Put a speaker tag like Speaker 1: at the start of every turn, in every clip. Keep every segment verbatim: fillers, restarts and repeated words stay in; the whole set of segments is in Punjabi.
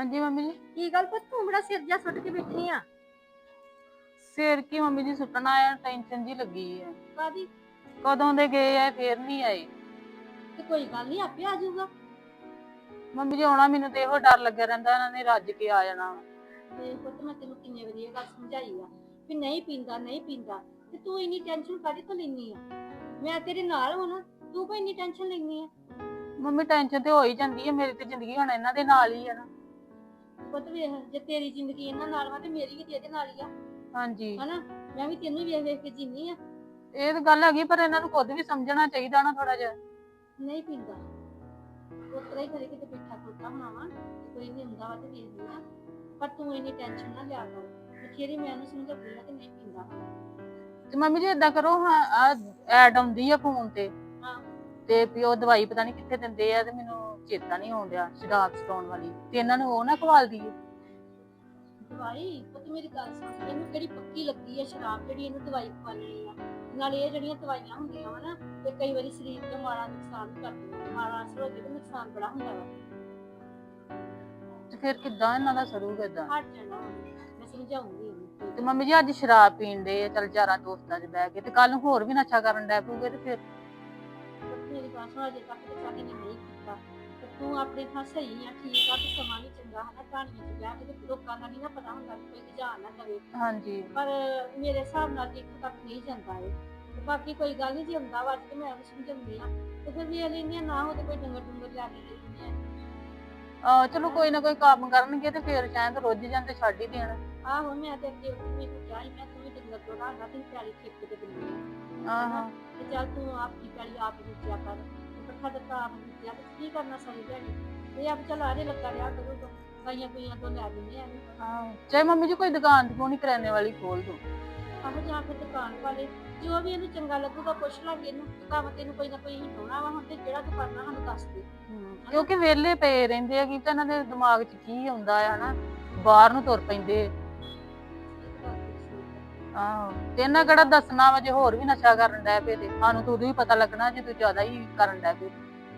Speaker 1: ਹਾਂਜੀ ਮੰਮੀ जी।
Speaker 2: की गल पुत तू बड़ा सिर जा सुट के बैठी आ?
Speaker 1: सिर की मम्मी जी सुटना है, टेंशन जी लगी है।
Speaker 2: कादी?
Speaker 1: कदों दे गए है फिर नहीं आए।
Speaker 2: ते कोई गल नहीं आपे आ जाऊगा।
Speaker 1: मम्मी जी आना मैनू तो यो डर लगे रहिंदा इन्हां ने रज के आ जाना।
Speaker 2: ते पुत मैं तेनू किन्ने वारी ये गल समझाई आ कि नहीं पींदा नहीं पींदा ते तू इन्नी टेंशन कादी तो लैनी आ? मैं तेरे नाल हां ना, तू कोई इन्नी टेंशन लैनी आ?
Speaker 1: मम्मी टेंशन तो हो ही जाती है, मेरी तो जिंदगी हुण इन्हां दे नाल ही है ना।
Speaker 2: पुत वेख जे तेरी जिंदगी इन्हां नाल वा ते मेरी भी ते इहदे नाल ही आ।
Speaker 1: हाँ जी
Speaker 2: हना मैं भी तेनू वेख वेख के जीनी आ।
Speaker 1: ਇਹ ਤਾਂ ਗੱਲ ਹੈਗੀ, ਪਰ ਇਹਨਾਂ ਨੂੰ ਖੁਦ ਵੀ ਸਮਝਣਾ ਚਾਹੀਦਾ ਨਾ ਥੋੜਾ ਜਿਹਾ।
Speaker 2: नहीं पींदा उतरा ही करे कि बैठा खोता होना वा कोई नहीं हुंदा वा ते देख लिया, पर तू इन्नी टेंशन ना लिया कर। बथेरी मैं उन्हें समझाती आ कि नहीं पींदा।
Speaker 1: ਤੇ ਮੰਮੀ ਜੀ ਏਦਾਂ ਕਰੋ, ਹਾਂ ਆ ਐਡ ਆਉਂਦੀ ਆ ਫੋਨ ਤੇ
Speaker 2: हाँ
Speaker 1: ਤੇ ਵੀ ਉਹ ਦਵਾਈ ਪਤਾ ਨਹੀਂ ਕਿੱਥੇ ਦਿੰਦੇ ਆ, ਤੇ ਮੈਨੂੰ ਚੇਤਾ ਨਹੀਂ ਆਉਣ ਡਿਆ ਸ਼ਰਾਬ ਸਟਾਉਣ ਵਾਲੀ, ਤੇ ਇਹਨਾਂ ਨੂੰ ਉਹ ਨਾ ਖਵਾਲ ਦਈਏ।
Speaker 2: दवाई पुत मेरी गल सुन, इहनू किहड़ी पक्की लगी है शराब जिहड़ी इहनू दवाई खवानी आ? नाले ये जिहड़ियां दवाइयां हुंदियां वा ना ते कई वारी शरीर ते माड़ा नुकसान भी करदियां, माड़ा असर हो जाए ते नुकसान बड़ा हुंदा वा।
Speaker 1: ਤੇ ਫਿਰ ਕਿੱਦਾਂ ਇਹਨਾਂ ਦਾ ਸਰੂਗਾ ਏਦਾਂ?
Speaker 2: हट जाना वा, मैं समझाऊंगी इहनू।
Speaker 1: ਤੇ ਮੰਮੀ ਜੀ ਅੱਜ ਸ਼ਰਾਬ ਪੀਣ ਦੇ ਚੱਲ ਯਾਰਾਂ ਦੋਸਤਾਂ 'ਚ ਬਹਿ ਕੇ, ਤੇ ਕੱਲ ਨੂੰ ਹੋਰ ਵੀ ਨਸ਼ਾ ਕਰਨ ਡੈ ਪਊਗੇ ਤੇ ਫਿਰ
Speaker 2: पुत मेरी गल सुन, अजे तक ते चल इहने नहीं कीता ते तू अपने थां सही आ, ठीक आ ते समा भी चंगा है ना, कहानियां च बैठ के ते लोकां दा नहीं ना पता हुंदा कि कोई गजान ना करे।
Speaker 1: ਹਾਂਜੀ
Speaker 2: पर मेरे हिसाब नाल ते इत्थों तक नहीं जांदा ए। ते बाकी कोई गल नहीं, जे आंदा वा ते मैं उहनू समझाउंदी आ ते फिर वे लैनी ना हो ते कोई डंगर डुंगर लै के दे दिंदे आ।
Speaker 1: ਆ ਚਲੋ ਕੋਈ ਨਾ ਕੋਈ ਕੰਮ ਕਰਨਗੇ ਤੇ ਫਿਰ ਸ਼ਾਇਦ ਰੁੱਝ ਜਾਣ ਤੇ ਛੱਡ ਹੀ ਦੇਣ।
Speaker 2: आहो मैं ते अगे मैनू कहा ही मैं तू भी डंगर चोरा ना तेरी पैली ठेके ते दिंदी आ है ना,
Speaker 1: ਆਹੋ
Speaker 2: ते चल तू आपकी पैली आप बेचा कर, ते पट्ठा दत्ता आप बेचा ते की करना सारी दिहाड़ी, ते अब चल आरे लगा रहा करूगा, गाइयां गुइयां तो लै दिंदे आ।
Speaker 1: ਆਹੋ ਚਾਹੇ ਮੰਮੀ ਜੀ ਕੋਈ ਦੁਕਾਨ ਦੁਕਾਨ ਹੀ ਕਰਿਆਨੇ ਵਾਲੀ ਖੋਲ ਦੋ।
Speaker 2: ਆਹੋ ਜਾਂ ਫਿਰ ਦੁਕਾਨ ਵਾਲੇ ਜੋ ਵੀ ਇਹਨੂੰ ਚੰਗਾ ਲੱਗੂਗਾ ਪੁੱਛ ਲਾਂਗੇ ਇਹਨੂੰ, ਕੰਮ ਤੈਨੂੰ ਕੋਈ ਨਾ ਕੋਈ ਹੀ ਲਾਉਣਾ ਵਾ ਹੁਣ, ਤੇ ਜਿਹੜਾ ਤੂੰ ਕਰਨਾ ਸਾਨੂੰ ਦੱਸ ਦੇ।
Speaker 1: ਕਿਉਂਕਿ ਵਿਹਲੇ ਪਏ ਰਹਿੰਦੇ ਆ, ਕੀ ਤਾਂ ਇਹਨਾਂ ਦੇ ਦਿਮਾਗ 'ਚ ਕੀ ਆਉਂਦਾ ਆ ਹਨਾ, ਬਾਹਰ ਨੂੰ ਤੁਰ ਪੈਂਦੇ। ਆਹੋ ਤੇ ਇਹਨਾਂ ਕਿਹੜਾ ਦੱਸਣਾ ਵਾ, ਜੇ ਹੋਰ ਵੀ ਨਸ਼ਾ ਕਰਨ ਡੈ ਪਏ ਤੇ ਸਾਨੂੰ ਤਾਂ ਉਦੋਂ ਹੀ ਪਤਾ ਲੱਗਣਾ ਜੇ ਤੂੰ ਜ਼ਿਆਦਾ ਹੀ ਕਰਨ ਡੈ ਪਏ।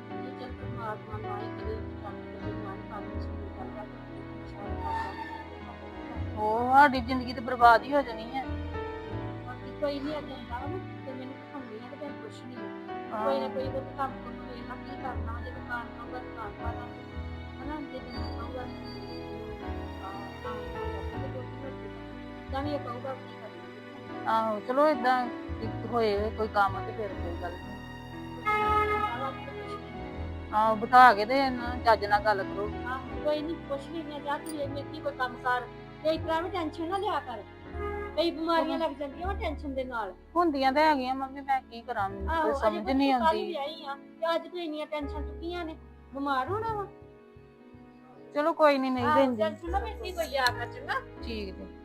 Speaker 1: ਉਹ ਸਾਡੀ ਜ਼ਿੰਦਗੀ ਤੇ ਬਰਬਾਦ ਹੀ ਹੋ ਜਾਣੀ ਹੈ।
Speaker 2: ਕੋਈ ਨਹੀਂ ਅੱਜ ਆਉਂਦਾ ਵਾ ਨਾ ਤੇ ਮੈਨੂੰ ਦਿਖਾਉਂਦੀ ਆ ਤੇ ਫਿਰ ਪੁੱਛਣੀ ਆ, ਕੋਈ ਨਾ ਕੋਈ ਉਹ ਕੰਮ ਕੰਮ ਵੇਖਣਾ ਕੀ ਕਰਨਾ, ਜੇ ਦੁਕਾਨ ਕਹੂਗਾ ਦੁਕਾਨ ਪਾ ਦਾਂਗੇ ਹਨਾ, ਜੇ ਤੈਨੂੰ ਕਹੂਗਾ ਤਾਂ ਵੀ ਇਹ ਕਹੂਗਾ ਕੀ ਕਰਨਾ।
Speaker 1: ਆਹੋ ਚਲੋ ਏਦਾਂ ਹੋਏ ਕੋਈ ਕੰਮ ਤੇ ਫਿਰ ਕੋਈ ਗੱਲ ਨੀ। ਆਹੋ ਬਿਠਾ ਕੇ ਤੇ ਇਹਨਾਂ ਨਾਲ ਚੱਜ ਨਾਲ ਗੱਲ ਕਰੋ।
Speaker 2: ਆਹੋ ਕੋਈ ਨਹੀਂ ਪੁੱਛ ਲੈਂਦੇ ਆ, ਜਾ ਤੂੰ ਇਹ ਮੇਰੀ ਕੋਈ ਕੰਮ ਕਰ ਤੇ ਇਸ ਤਰ੍ਹਾਂ ਵੀ ਟੈਨਸ਼ਨ ਨਾ ਲਿਆ ਕਰ, ਕਈ ਬਿਮਾਰੀਆਂ ਲੱਗ ਜਾਂਦੀਆਂ ਵਾ ਟੈਨਸ਼ਨ ਦੇ ਨਾਲ।
Speaker 1: ਹੁੰਦੀਆਂ ਤਾਂ ਹੈਗੀਆਂ ਮੰਮੀ, ਮੈਂ ਕੀ ਕਰਾਂ ਮੈਨੂੰ ਕੋਈ ਸਮਝ ਨਹੀਂ ਆਉਂਦੀ।
Speaker 2: ਵਿਆਹੀ ਆ ਤੇ ਅੱਜ ਤੂੰ ਇੰਨੀਆਂ ਟੈਨਸ਼ਨ ਚੁੱਕੀਆਂ ਨੇ, ਬਿਮਾਰ ਹੋਣਾ ਵਾ।
Speaker 1: ਚਲੋ ਕੋਈ ਨਹੀਂ ਨਹੀਂ ਦਿੰਦੀ।
Speaker 2: ਟੈਨਸ਼ਨ ਨਾ ਮਿੱਟੀ ਕੋਈ ਲਿਆ ਕਰ ਚੰਗਾ।
Speaker 1: ਠੀਕ ਜੀ।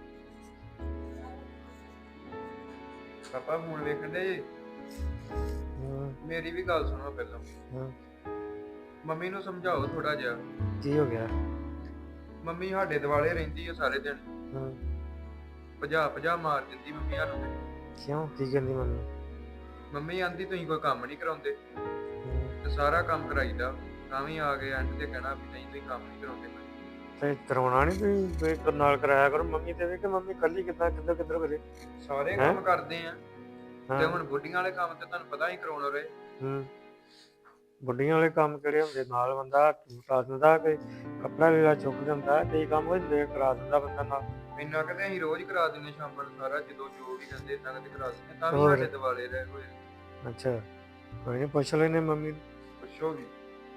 Speaker 3: ਪਾਪਾ ਫੋਨ ਵੇਖਣ ਦੇ ਜੀ। ਮੇਰੀ ਵੀ ਗੱਲ ਸੁਣੋ ਪਹਿਲਾਂ।
Speaker 4: ਹਾਂ
Speaker 3: ਮੰਮੀ ਨੂੰ ਸਮਝਾਓ ਥੋੜਾ ਜਿਹਾ।
Speaker 4: ਕੀ ਹੋ ਗਿਆ?
Speaker 3: ਮੰਮੀ ਸਾਡੇ ਦਿਵਾਲੇ ਰਹਿੰਦੀ ਆ ਸਾਰੇ ਦਿਨ,
Speaker 4: ਹਾਂ
Speaker 3: ਭਜਾ ਭਜਾ ਮਾਰ ਦਿੰਦੀ ਮੰਮੀ ਸਾਨੂੰ ਤੇ।
Speaker 4: ਕਿਉਂ ਕੀ ਕਹਿੰਦੀ ਮੰਮੀ?
Speaker 3: ਮੰਮੀ ਆਂਦੀ ਤੁਸੀਂ ਕੋਈ ਕੰਮ ਨਹੀਂ ਕਰਾਉਂਦੇ
Speaker 4: ਹਮ,
Speaker 3: ਤੇ ਸਾਰਾ ਕੰਮ ਕਰਾਈਦਾ, ਤਾਂ ਵੀ ਆ ਕੇ ਐਂਡ ਤੇ ਕਹਿਣਾ ਵੀ ਨਹੀਂ ਤੁਸੀਂ ਕੰਮ ਨਹੀਂ ਕਰਾਉਂਦੇ।
Speaker 4: ਤੇ ਕਰਾਉਣਾ ਨਹੀਂ ਤੁਸੀਂ ਕੋਈ ਨਾਲ ਕਰਾਇਆ ਕਰੋ ਮੰਮੀ ਤੇ ਵੀ, ਕਿ ਮੰਮੀ ਕੱਲੀ ਕਿੱਦਾਂ ਕਿੱਧਰ ਕਿੱਧਰ ਕਰੇ?
Speaker 3: ਸਾਰੇ
Speaker 4: ਹੈਂ?
Speaker 3: ਕੰਮ ਕਰਦੇ ਆ ਤੇ
Speaker 4: ਹਾਂ
Speaker 3: ਹੁਣ ਬੁੱਢੀਆਂ ਵਾਲੇ ਕੰਮ ਤੇ ਤੁਹਾਨੂੰ ਪਤਾ ਹੀ ਕਰਾਉਣ ਰਹੇ।
Speaker 4: ਹੂੰ ਬੁੱਢੀਆਂ ਵਾਲੇ ਕੰਮ ਕਿਹੜੇ ਹੁੰਦੇ? ਨਾਲ ਬੰਦਾ ਕਰਾ ਦਿੰਦਾ, ਕੋਈ ਕੱਪੜਾ ਲੀੜਾ ਚੁੱਕ ਦਿੰਦਾ, ਕਈ ਕੰਮ ਹੁੰਦੇ ਕਰਾ ਦਿੰਦਾ ਬੰਦਾ ਨਾਲ।
Speaker 3: ਇੰਨਾ ਕਦੇ ਅਸੀਂ ਰੋਜ਼ ਕਰਾ ਦਿੰਦੇ ਸ਼ਾਮ ਨੂੰ ਸਾਰਾ, ਜਦੋਂ ਜੋ ਵੀ ਕਹਿੰਦੇ ਇੰਨਾ ਕਦੇ ਕਰਾ ਦਿੰਦੇ, ਤਾਂ ਵੀ
Speaker 4: ਹੋਰ?
Speaker 3: ਸਾਡੇ ਦਿਵਾਲੇ ਰਹੇ ਹੋਏ।
Speaker 4: ਅੱਛਾ ਕੋਈ ਨਹੀਂ ਪੁੱਛ ਲੈਨੇ ਮੰਮੀ ਨੂੰ।
Speaker 3: ਪੁੱਛੋ ਵੀ।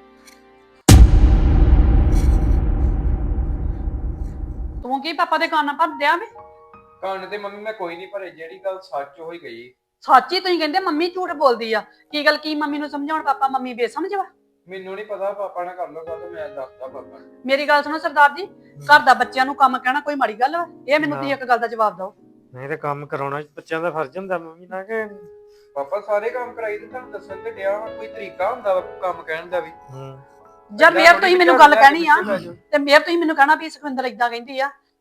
Speaker 5: ਤੂੰ ਕੀ ਪਾਪਾ ਦੇ ਕੰਨ ਭਰਦਿਆ ਵੇ?
Speaker 3: ਕੰਨ ਤੇ ਮੰਮੀ ਮੈਂ ਕੋਈ ਨਹੀਂ ਭਰੇ, ਜਿਹੜੀ ਗੱਲ ਸੱਚ ਹੋਈ ਗਈ।
Speaker 5: ਸੱਚੀ ਤੁਸੀਂ ਕਹਿੰਦੇ ਮੰਮੀ ਝੂਠ ਬੋਲਦੀ ਆ, ਕੀ ਗੱਲ ਕੀ ਮੰਮੀ ਨੂੰ ਸਮਝਾਉਣ ਪਾਪਾ ਮੰਮੀ ਬੇਸਮਝ ਵਾ?
Speaker 3: ਮੈਨੂੰ ਨਹੀਂ ਪਤਾ, ਪਾਪਾ ਨਾਲ ਕਰ ਲਓ ਗੱਲ, ਮੈਂ ਦੱਸਦਾ ਪਾਪਾ ਨੂੰ।
Speaker 5: ਮੇਰੀ ਗੱਲ ਸੁਣੋ ਸਰਦਾਰ ਜੀ, ਘਰ ਦਾ ਬੱਚਿਆਂ ਨੂੰ ਕੰਮ ਕਹਿਣਾ ਕੋਈ ਮਾੜੀ ਗੱਲ ਵਾ? ਇਹ ਮੈਨੂੰ ਤੁਸੀਂ ਇੱਕ ਗੱਲ ਦਾ ਜਵਾਬ ਦਿਓ।
Speaker 4: ਨਹੀਂ ਤੇ ਕੰਮ ਕਰਾਉਣਾ ਬੱਚਿਆਂ ਦਾ ਫਰਜ਼ ਹੁੰਦਾ ਮੰਮੀ ਨਾਲ, ਕਿ
Speaker 3: ਪਾਪਾ ਸਾਰੇ ਕੰਮ ਕਰਾਈ ਤੇ ਤੁਹਾਨੂੰ ਦੱਸਣ ਤੇ ਡਿਆ, ਕੋਈ ਤਰੀਕਾ ਹੁੰਦਾ ਵਾ ਕੰਮ ਕਹਿਣ ਦਾ ਵੀ।
Speaker 4: ਹੂੰ
Speaker 5: ਜਦ ਮੇਰ ਤੁਸੀਂ ਮੈਨੂੰ ਗੱਲ ਕਹਿਣੀ ਆ ਤੇ ਮੇਰ ਤੁਸੀਂ ਮੈਨੂੰ ਕਹਿਣਾ ਵੀ ਸੁਖਵਿੰਦਰ ਇਦਾਂ ਕਹਿੰਦੀ ਆ,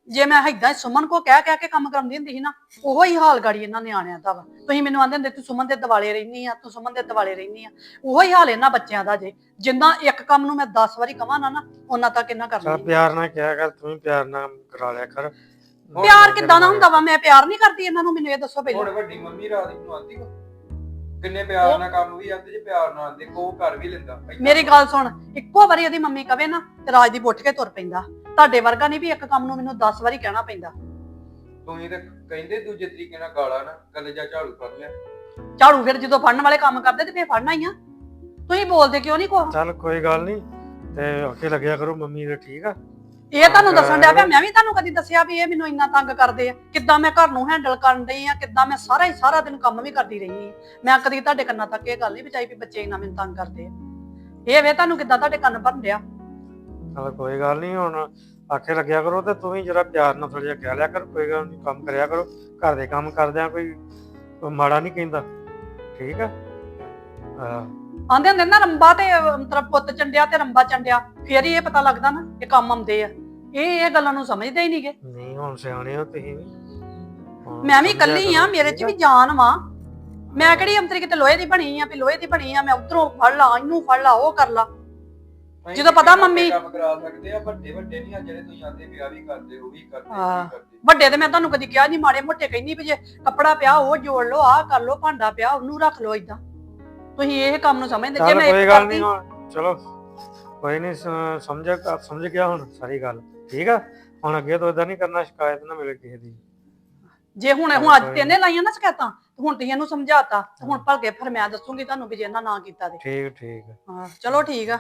Speaker 5: ਜੇ ਮੈਂ ਏਦਾਂ ਸੁਮਨ ਕੋ ਕਹਿ ਕਹਿ ਕੇ ਕੰਮ ਕਰਾਉਂਦੀ ਹੁੰਦੀ ਸੀ ਨਾ, ਉਹੋ ਹੀ ਹਾਲ ਗਾੜੀ ਇਹਨਾਂ ਨਿਆਣਿਆਂ ਦਾ ਵਾ। ਤੁਸੀਂ ਮੈਨੂੰ ਆਂਦੇ ਹੁੰਦੇ ਤੂੰ ਸੁਮਨ ਦੇ ਦਿਵਾਲੇ ਰਹਿਨੀ ਆ, ਤੂੰ ਸੁਮਨ ਦੇ ਦਿਵਾਲੇ ਰਹਿਨੀ ਆ, ਉਹੋ ਹੀ ਹਾਲ ਇਹਨਾਂ ਬੱਚਿਆਂ ਦਾ ਜੇ। ਜਿੰਨਾ ਇੱਕ ਕੰਮ ਨੂੰ ਮੈਂ ਦਸ ਵਾਰੀ ਕਵਾਂ ਨਾ ਨਾ ਉਹਨਾਂ ਤੱਕ ਇਹਨਾਂ ਕਰਨਾ
Speaker 4: ਚੱਲ
Speaker 5: ਨੀ।
Speaker 4: ਪਿਆਰ ਨਾਲ ਕਿਹਾ ਕਰ, ਤੂੰ ਵੀ ਪਿਆਰ ਨਾਲ ਕਰਾ ਲਿਆ ਕਰ।
Speaker 5: ਪਿਆਰ ਕਿੱਦਾਂ ਦਾ ਹੁੰਦਾ ਵਾ? ਮੈਂ ਪਿਆਰ ਨਹੀਂ ਕਰਦੀ ਇਹਨਾਂ ਨੂੰ, ਮੈਨੂੰ ਇਹ ਦੱਸੋ
Speaker 3: ਹੁਣ
Speaker 5: ਪਹਿਲਾਂ।
Speaker 3: ਵੱਡੀ ਮੰਮੀ ਰਾਤ ਨੂੰ ਆਂਦੀ ਕੋ ਕਿੰਨੇ ਪਿਆਰ ਨਾਲ ਕੰਮ ਵੀ ਆਂਦੇ ਜੇ ਪਿਆਰ ਨਾਲ ਆਂਦੇ ਕੋ ਕਰ ਵੀ ਲੈਂਦਾ। ਏਦਾਂ
Speaker 5: ਮੇਰੀ ਗੱਲ ਸੁਣ, ਇੱਕੋ ਵਾਰੀ ਇਹਦੀ ਮੰਮੀ ਕਵੇ ਨਾ ਤੇ ਰਾਜਦੀਪ ਉੱਠ ਕੇ ਤੁਰ ਪੈਂਦਾ। ਤੁਹਾਡੇ ਵਰਗਾ ਨਹੀਂ ਵੀ ਇੱਕ ਕੰਮ ਨੂੰ ਮੈਨੂੰ ਦਸ ਵਾਰੀ ਕਹਿਣਾ ਪੈਂਦਾ।
Speaker 3: ਤੁਸੀਂ ਤੇ ਕਹਿੰਦੇ ਦੂਜੇ ਤਰੀਕੇ ਨਾਲ ਗਾਲਾਂ ਨਾ ਕੱਲੇ ਜਾ ਝਾੜੂ ਫੜ ਲਿਆ।
Speaker 5: ਝਾੜੂ ਫਿਰ ਜਦੋਂ ਫੜਨ ਵਾਲੇ ਕੰਮ ਕਰਦੇ ਤੇ ਫੇਰ ਫੜਨਾ ਹੀ ਆ। ਤੁਸੀਂ ਬੋਲਦੇ ਕਿਉਂ ਨਹੀਂ ਕੁਛ?
Speaker 4: ਚੱਲ ਕੋਈ ਗੱਲ ਨਹੀਂ, ਤੇ ਅੱਗੇ ਲੱਗਿਆ ਕਰੋ ਮੰਮੀ ਦੇ, ਠੀਕ ਆ।
Speaker 5: ਇਹ ਤੁਹਾਨੂੰ ਦੱਸਣ ਡਿਆ ਪਿਆ, ਮੈਂ ਵੀ ਤੁਹਾਨੂੰ ਕਦੀ ਦੱਸਿਆ ਵੀ ਇਹ ਮੈਨੂੰ ਇੰਨਾ ਤੰਗ ਕਰਦੇ ਆ? ਕਿੱਦਾਂ ਮੈਂ ਘਰ ਨੂੰ ਹੈਂਡਲ ਕਰਨ ਡਈ ਆ, ਕਿੱਦਾਂ ਮੈਂ ਸਾਰਾ ਹੀ ਸਾਰਾ ਦਿਨ ਕੰਮ ਵੀ ਕਰਦੀ ਰਹੀ ਆ। ਮੈਂ ਕਦੀ ਤੁਹਾਡੇ ਕੰਨਾਂ ਤੱਕ ਇਹ ਗੱਲ ਨਹੀਂ ਪਹੁੰਚਾਈ ਵੀ ਬੱਚੇ ਇੰਨਾ ਮੈਨੂੰ ਤੰਗ ਕਰਦੇ ਆ। ਇਹ ਵੇ ਤੁਹਾਨੂੰ ਕਿੱਦਾਂ ਤੁਹਾਡੇ ਕੰਨ ਭਰਨ ਡਿਆ।
Speaker 4: ਚੱਲ ਕੋਈ ਗੱਲ ਨਹੀਂ, ਹੁਣ ਆਖੇ ਲੱਗਿਆ ਕਰੋ ਤੇ ਤੂੰ ਵੀ ਜਰਾ ਪਿਆਰ ਨਾਲ ਥੋੜਾ ਜਿਹਾ ਕਹਿ ਲਿਆ ਕਰ। ਕੋਈ ਗੱਲ ਨਹੀਂ, ਕੰਮ ਕਰਿਆ ਕਰੋ। ਘਰ ਦੇ ਕੰਮ ਕਰਦਿਆਂ ਕੋਈ ਕੋਈ ਮਾੜਾ ਨਹੀਂ ਕਹਿੰਦਾ, ਠੀਕ ਆ। ਹਾਂ
Speaker 5: ਆਂਦੇ ਹੁੰਦੇ ਨਾ ਰੰਬਾ ਤੇ ਮਤਲਬ ਪੁੱਤ ਚੰਡਿਆ ਤੇ ਰੰਬਾ ਚੰਡਿਆ, ਫੇਰ ਹੀ ਇਹ ਪਤਾ ਲੱਗਦਾ ਨਾ ਇਹ ਕੰਮ ਆਉਂਦੇ ਆ। ਇਹ ਇਹ ਗੱਲਾਂ ਨੂੰ ਸਮਝਦੇ ਹੀ ਨਹੀਂਗੇ।
Speaker 4: ਨਹੀਂ ਹੁਣ ਸਿਆਣੇ ਹੋ ਤੁਸੀਂ ਵੀ। ਹੁਣ
Speaker 5: ਮੈਂ ਵੀ
Speaker 4: ਸਮਝਿਆ
Speaker 5: ਇਕੱਲੀ ਆ,
Speaker 4: ਕਰੋ,
Speaker 5: ਮੇਰੇ 'ਚ
Speaker 4: ਠੀਕ
Speaker 5: ਵੀ ਜਾਨ ਵਾ। ਮੈਂ ਕਿਹੜੀ ਅੰਤਰੀ ਕਿਤੇ ਲੋਹੇ ਦੀ ਬਣੀ ਆ ਵੀ ਲੋਹੇ ਦੀ ਬਣੀ ਆ ਮੈਂ ਉਧਰੋਂ ਫੜ ਲਾ, ਇਹਨੂੰ ਫੜ ਲਾ, ਉਹ ਕਰ ਲਾ।
Speaker 3: ਅਸੀਂ
Speaker 5: ਜਦੋਂ ਪਤਾ
Speaker 3: ਕਿੰਨਾ
Speaker 5: ਮੰਮੀ-
Speaker 3: ਕੰਮ ਕਰਾ ਸਕਦੇ ਆ, ਵੱਡੇ ਵੱਡੇ ਨਹੀਂ ਆ ਜਿਹੜੇ ਤੁਸੀਂ ਆਂਦੇ ਵਿਆਹ ਵੀ ਕਰਦੇ ਉਹ ਵੀ ਕਰਦੇ ਉਹ
Speaker 5: ਹਾਂ।
Speaker 3: ਵੀ ਕਰਦੇ।
Speaker 5: ਵੱਡੇ ਤੇ ਮੈਂ ਤੁਹਾਨੂੰ ਕਦੀ ਕਿਹਾ ਨਹੀਂ, ਮਾੜੇ ਮੋਟੇ ਕਹਿੰਦੀ ਵੀ ਜੇ ਕੱਪੜਾ ਪਿਆ ਉਹ ਜੋੜ ਲਓ, ਆਹ ਕਰ ਲਓ, ਭਾਂਡਾ ਪਿਆ ਉਹਨੂੰ ਰੱਖ ਲਓ। ਏਦਾਂ ਤੁਸੀਂ ਇਹ ਕੰਮ ਨੂੰ ਸਮਝਦੇ। ਜੇ
Speaker 4: ਚੱਲ
Speaker 5: ਮੈਂ
Speaker 4: ਕੋਈ
Speaker 5: ਇੱਕ
Speaker 4: ਗੱਲ
Speaker 5: ਕਰਦੀ
Speaker 4: ਨਹੀਂ, ਹੁਣ ਚਲੋ ਕੋਈ ਨਹੀਂ, ਸਮਝ ਸਮਝ ਗਿਆ ਹੁਣ ਸਾਰੀ ਗੱਲ, ਠੀਕ ਆ। ਹੁਣ ਅੱਗੇ ਤੋਂ ਏਦਾਂ ਨਹੀਂ ਕਰਨਾ, ਸ਼ਿਕਾਇਤ ਨਾ ਮਿਲੇ ਕਿਸੇ ਦੀ।
Speaker 5: ਜੇ ਹੁਣ ਹੁਣ ਅੱਜ ਤੇਨੇ ਲਾਈਆਂ ਨਾ ਸ਼ਿਕਾਇਤਾਂ, ਤੇ ਹੁਣ ਤੁਸੀਂ ਇਹਨੂੰ ਸਮਝਾਤਾ, ਤੇ ਹੁਣ ਭਲਕੇ ਫਿਰ ਮੈਂ ਦੱਸੂਗੀ ਤੁਹਾਨੂੰ ਵੀ ਜੇ ਇਹਨਾਂ ਨਾ ਕੀਤਾ ਤੇ।
Speaker 4: ਠੀਕ ਠੀਕ ਆ।
Speaker 5: ਹਾਂ ਚਲੋ ਠੀਕ ਆ।